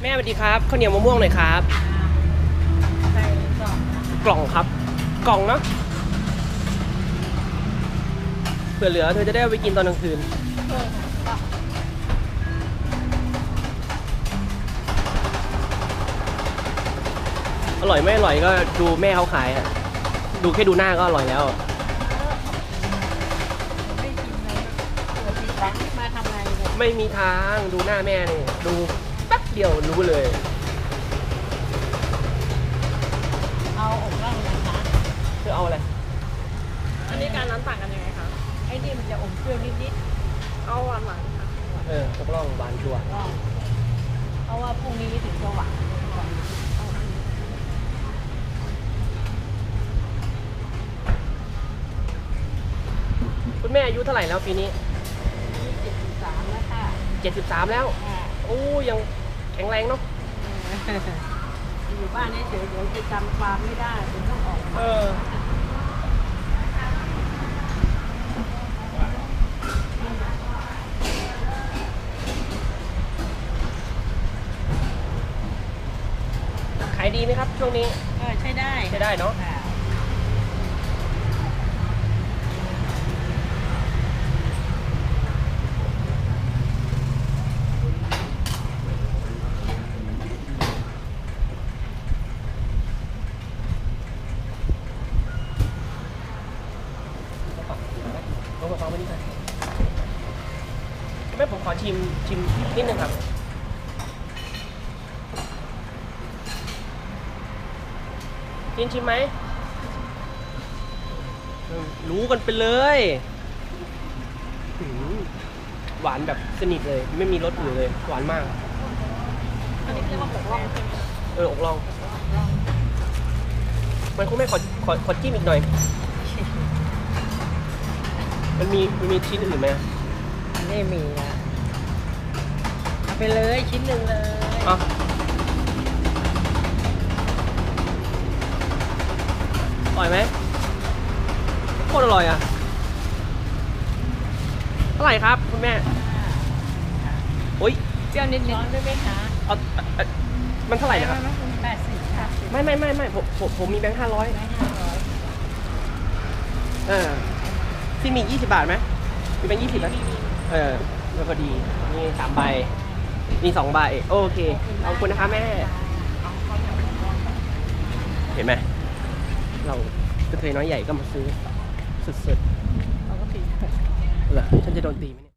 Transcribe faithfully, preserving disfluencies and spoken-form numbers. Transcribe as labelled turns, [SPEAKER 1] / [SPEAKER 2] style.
[SPEAKER 1] แม่สวัสดีครับข้าวเหนียวมะม่วงหน่อยครับ
[SPEAKER 2] ใส่กล่อง
[SPEAKER 1] กล่องครับกล่องเนาะเผื่อเหลือเธอจะได้เอาไปกินตอนกลางคืนอร่อยไม่อร่อยก็ดูแม่เขาขายอะดูแค่ดูหน้าก็อร่อยแล้ว
[SPEAKER 2] ไม่กินเลยตัวผิดหวังมาทำไงเนี่ย
[SPEAKER 1] ไม่มีทางดูหน้าแม่นี่ดูแป๊บเดียวรู้เลย
[SPEAKER 2] เอาอกร่องนะคะ
[SPEAKER 1] เธอเอาอะไร
[SPEAKER 3] อันนี้การน้ำต่างกันยังไงคะ
[SPEAKER 2] ไอ้นี่มันจะอมเปรี้ยวนิด
[SPEAKER 3] เอาหวานหวานค่ะ
[SPEAKER 1] เออตกล่องบานชัวร์
[SPEAKER 2] ๆร่องเพราะว่าพรุ่งนี้ถึงจะหวานก่อน
[SPEAKER 1] คุณแม่อายุเท่าไหร่แล้วปีนี้
[SPEAKER 2] นี่เจ็ดสิบสามแล้วค่ะ
[SPEAKER 1] เจ็ดสิบสามแล้ว
[SPEAKER 2] อ่า
[SPEAKER 1] โอ้ยังแข็งแรงเนาะ
[SPEAKER 2] อยู่บ้านเฉยๆเดี๋ยวจะจำความไม่ได้ถึงต้องออก
[SPEAKER 1] เอ
[SPEAKER 2] มา
[SPEAKER 1] อขายดีไหมครับช่วงนี้
[SPEAKER 2] เออใช้ได้
[SPEAKER 1] ใช้ได้เนาะ
[SPEAKER 2] ค่ะ
[SPEAKER 1] ลงมาฟังไปนิดหน่อยแม่ผมขอชิมชิมนิดนึงครับชิมชิมไหมอืมรู้กันไปเลยหืมหวานแบบสนิทเลย ไม่มีรสอื่นเลย หวานมาก
[SPEAKER 3] อันนี้เรียกว่าหมกล่องใช่ไหมคะ
[SPEAKER 1] เอออกลอง มันคุณแม่ขอขอขอจิ้มอีกหน่อย มันมีมันมีชิ้นอื่นไหม
[SPEAKER 2] ไม่มีนะเอาไปเลยชิ้นหนึ่งเลย
[SPEAKER 1] อ่ะอร่อยไหมโคตรอร่อยอ่ะเท่าไหร่ครับคุณแม่โอ้ย
[SPEAKER 2] เปรี้ยวนิดๆได้ไหมคะ
[SPEAKER 1] เอาเอาเอามันเท่าไหร่นะครับ
[SPEAKER 2] แปดสิบค่ะ
[SPEAKER 1] ไม่ไม่ไม่ไม่ผมผมผมมีแบงค์ห้าร้อย
[SPEAKER 2] ไม่ห้าร้อย
[SPEAKER 1] เออที่มียี่สิบบาทไหมมีแบงค์ยี่สิบไหมเออแล้วพอดีนี่สามใบมีสองใบโอเคขอบคุณนะคะแม่ เห็นไหมเรากระเทยน้อยใหญ่ก็มาซื้อสุด
[SPEAKER 2] เราก็ผิด
[SPEAKER 1] ๆเหรอฉันจะโดนตีไหมเนี่ย